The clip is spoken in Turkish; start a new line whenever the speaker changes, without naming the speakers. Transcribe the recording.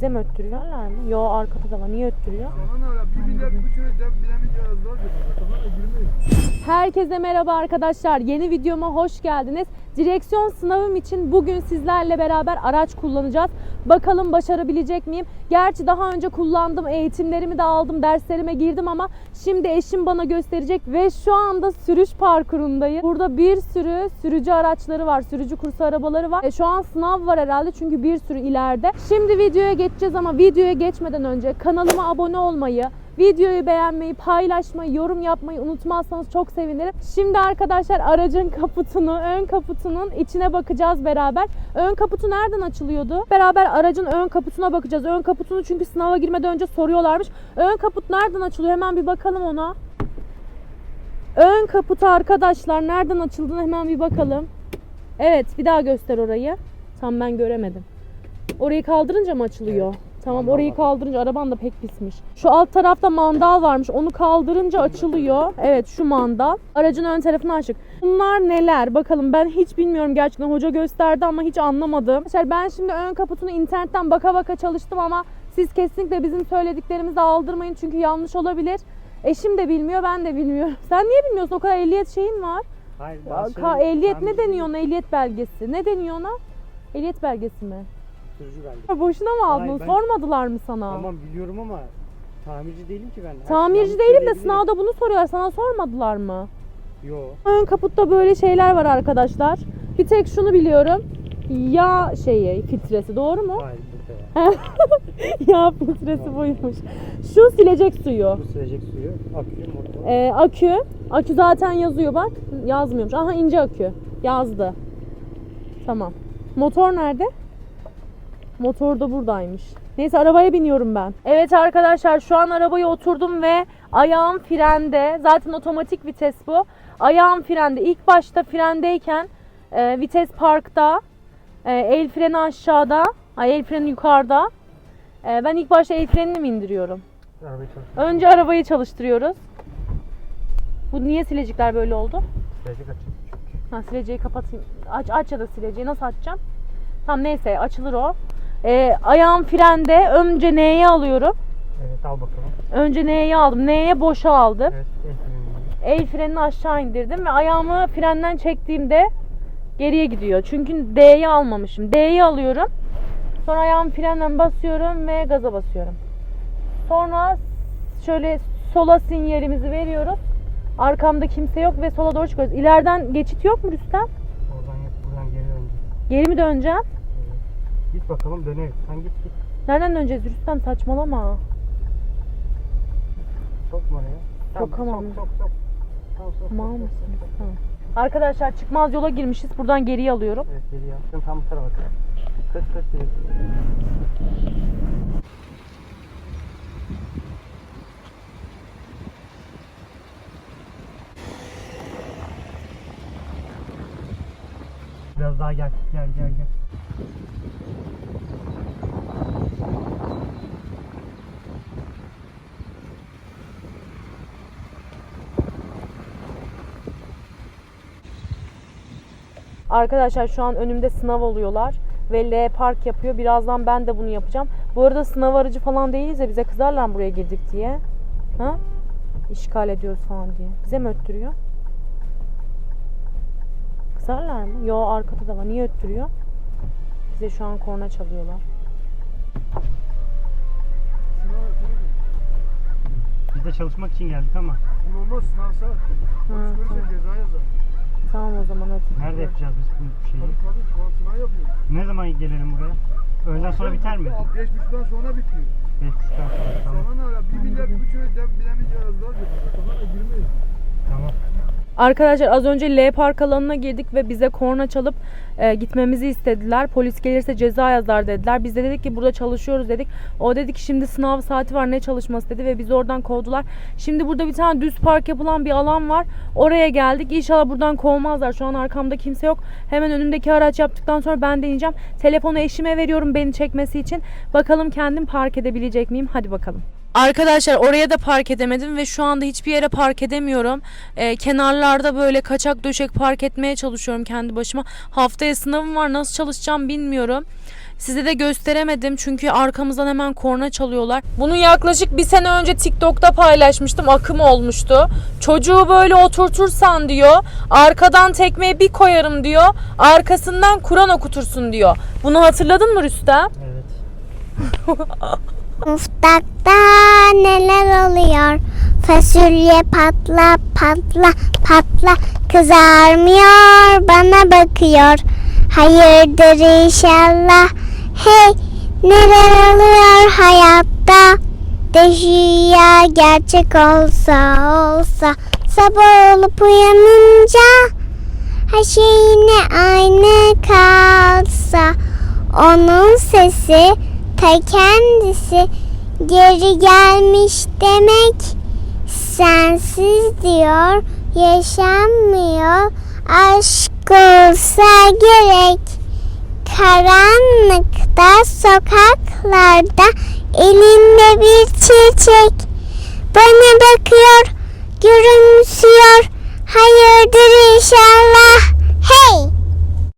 Bize mi öttürüyorlar mı? Yo, arkada da var. Niye öttürüyor? Herkese merhaba arkadaşlar. Yeni videoma hoş geldiniz. Direksiyon sınavım için bugün sizlerle beraber araç kullanacağız. Bakalım başarabilecek miyim? Gerçi daha önce kullandım, eğitimlerimi de aldım, derslerime girdim ama şimdi eşim bana gösterecek ve şu anda sürüş parkurundayım. Burada bir sürü sürücü araçları var, sürücü kursu arabaları var. Şu an sınav var herhalde çünkü bir sürü ileride. Şimdi videoya geçeceğiz ama videoya geçmeden önce kanalıma abone olmayı, videoyu beğenmeyi, paylaşmayı, yorum yapmayı unutmazsanız çok sevinirim. Şimdi arkadaşlar aracın kaputunu, ön kaputunun içine bakacağız beraber. Ön kaputu nereden açılıyordu? Beraber aracın ön kaputuna bakacağız. Ön kaputunu çünkü sınava girmeden önce soruyorlarmış. Ön kaput nereden açılıyor? Hemen bir bakalım ona. Ön kaputu arkadaşlar nereden açıldığını hemen bir bakalım. Evet, bir daha göster orayı. Tam ben göremedim. Orayı kaldırınca mı açılıyor? Evet. Tamam, orayı kaldırınca araban da pek pismiş. Şu alt tarafta mandal varmış. Onu kaldırınca açılıyor. Evet, şu mandal. Aracın ön tarafına açık. Bunlar neler? Bakalım, ben hiç bilmiyorum gerçekten. Hoca gösterdi ama hiç anlamadım. Arkadaşlar ben şimdi ön kaputunu internetten baka baka çalıştım ama siz kesinlikle bizim söylediklerimizi aldırmayın çünkü yanlış olabilir. Eşim de bilmiyor, ben de bilmiyorum. Sen niye bilmiyorsun? O kadar ehliyet şeyin var.
Hayır,
ehliyet ne deniyor ona? Ehliyet belgesi. Ne deniyor ona? Ehliyet belgesi mi?
Sürücü belgesi.
Boşuna mı aldın?
Hayır,
Sormadılar mı sana?
Tamam, biliyorum ama tamirci değilim ki ben.
Tamirci değilim de sınavda bunu soruyorlar. Sana sormadılar mı?
Yok.
Ön kaputta böyle şeyler var arkadaşlar. Bir tek şunu biliyorum. Yağ filtresi, doğru mu?
Hayır, burada ya.
Yağ filtresi buymuş. Şu silecek suyu.
Bu silecek suyu, akü, motor.
Akü zaten yazıyor bak. Yazmıyormuş. Aha, ince akü. Yazdı. Tamam. Motor nerede? Motor da buradaymış. Neyse, arabaya biniyorum ben. Evet arkadaşlar, şu an arabaya oturdum ve ayağım frende. Zaten otomatik vites bu. Ayağım frende. İlk başta frendeyken vites parkta. El freni aşağıda. El freni yukarıda. Ben ilk başta el frenini mi indiriyorum? Önce arabayı çalıştırıyoruz. Bu niye silecekler böyle oldu?
Silecek açıldı çünkü.
Ha, sileceği kapatayım. Aç ya da sileceği nasıl açacağım? Tamam, neyse, açılır o. Ayağım frende. Önce N'ye alıyorum.
Evet, al bakalım.
Önce N'ye aldım. N'ye boşa aldım.
Evet,
El frenini aşağı indirdim ve ayağımı frenden çektiğimde geriye gidiyor. Çünkü D'yi almamışım. D'yi alıyorum. Sonra ayağımı frenden basıyorum ve gaza basıyorum. Sonra şöyle sola sinyalimizi veriyoruz. Arkamda kimse yok ve sola doğru çıkıyoruz. İleriden geçit yok mu Rüstem?
Oradan yok, buradan geri döneceğiz.
Geri mi döneceğim?
Evet. Git bakalım, döneriz. Sen git.
Nereden döneceğiz Rüstem? Saçmalama.
Sokma oraya.
Sokamam.
Sok.
Tamam mısın? Tamam. Arkadaşlar çıkmaz yola girmişiz. Buradan geriye alıyorum.
Evet, geriye al. Tam bu tarafa bak. Kıt direkt. Biraz daha gel. Gel.
Arkadaşlar şu an önümde sınav oluyorlar ve L park yapıyor. Birazdan ben de bunu yapacağım. Bu arada sınav aracı falan değiliz de bize kızarlar mı buraya girdik diye? Ha? İşgal ediyoruz falan diye. Bize mi öttürüyor? Kızarlar mı? Yo, arkada da var. Niye öttürüyor? Bize şu an korna çalıyorlar.
Biz de çalışmak için geldik ama.
Olmaz, sınav saat. Polis görürse ceza yazar.
Tamam o zaman hadi.
Nerede yapacağız biz bu şeyi?
Tabii, şu an sınav yapıyoruz.
Ne zaman gelelim buraya? Öğleden sonra biter mi?
5.30'dan sonra bitiyor.
5.30'dan sonra, tamam.
Sonra ne ara? 1 milyar, 1,5 bilemeyeceğiz yazdılar diyor. Sonra girmeyiz.
Tamam.
Arkadaşlar az önce L park alanına girdik ve bize korna çalıp gitmemizi istediler. Polis gelirse ceza yazar dediler. Biz de dedik ki burada çalışıyoruz dedik. O dedi ki şimdi sınav saati var, ne çalışması dedi ve bizi oradan kovdular. Şimdi burada bir tane düz park yapılan bir alan var. Oraya geldik. İnşallah buradan kovmazlar. Şu an arkamda kimse yok. Hemen önümdeki araç yaptıktan sonra ben deneyeceğim. Telefonu eşime veriyorum beni çekmesi için. Bakalım kendim park edebilecek miyim? Hadi bakalım. Arkadaşlar oraya da park edemedim ve şu anda hiçbir yere park edemiyorum. Kenarlarda böyle kaçak döşek park etmeye çalışıyorum kendi başıma. Haftaya sınavım var, nasıl çalışacağım bilmiyorum. Size de gösteremedim çünkü arkamızdan hemen korna çalıyorlar. Bunu yaklaşık bir sene önce TikTok'ta paylaşmıştım. Akım olmuştu. Çocuğu böyle oturtursan diyor, arkadan tekmeyi bir koyarım diyor, arkasından Kur'an okutursun diyor. Bunu hatırladın mı Rüstem?
Evet.
Mutfakta neler oluyor? Fasulye patla patla patla kızarmıyor, bana bakıyor. Hayırdır inşallah. Hey, neler oluyor hayatta? Rüya gerçek olsa sabah olup uyanınca her şey yine aynı kalsa, onun sesi ta kendisi geri gelmiş demek. Sensiz diyor yaşanmıyor, aşk olsa gerek. Karanlıkta sokaklarda elinde bir çiçek bana bakıyor, gülümsüyor. Hayırdır inşallah.